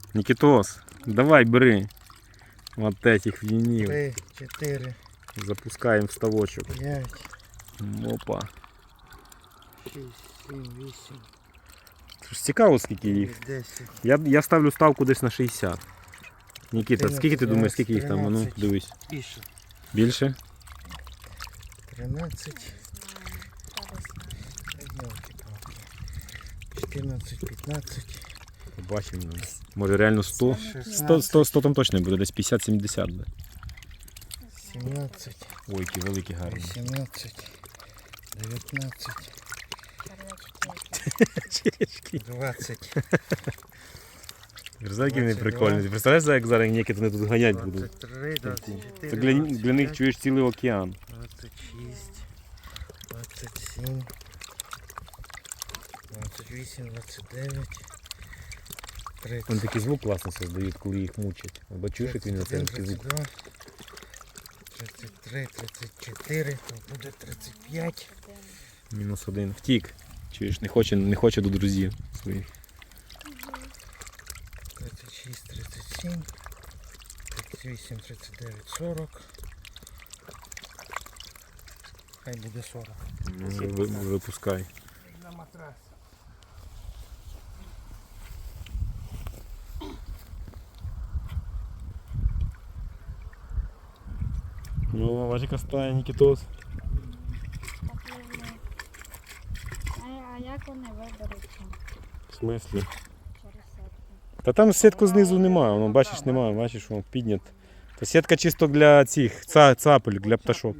Нікітос, давай бери. Вот этих вінів. 3, 4, Запускаємо в ставочок. 5, Опа. 6, 7, 8, Це ж цікаво, скільки їх. 10. Я ставлю ставку десь на 60. Нікіта, скільки ти думаєш, скільки їх там? А ну, 13. дивись. Більше. Більше? 13. 14, 15. Побачимо. Може реально 100? 100 там точно буде, десь 50-70 буде. 17, Ой, які великі гарні. 18, 19, Черечки. 20, Які вони 22. прикольні. Ти представляєш, як зараз Нікіт вони тут ганять будуть? 23, 24, Це для них чуєш цілий океан. 26, 27, 28, 29, 30. Вони такий звук класно создають, коли їх мучать. Або чуєш, як він на це такий звук. 32, 33, 34, то буде 35. -1. Втік. Чуєш, не хоче до друзів своїх. 36, 37, 38, 39, 40. Хай буде 40. Випускай. На матрас. Ну, Вадика стає Нікітос. А як вони виберуться В смислі? через сетку? Та там сітку знизу немає, воно бачиш, немає, бачиш, воно піднят. Та сітка чисто для цих цапель, для пташок.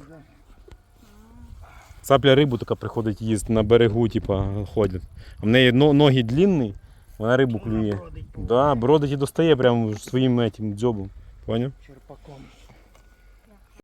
Цапля рибу така приходить їсти на берегу, типа, ходять. А в неї ноги длинні, вона рибу клює. Да, бродить і достає прямо своїм этим дзьобом. Поняв? Черпаком.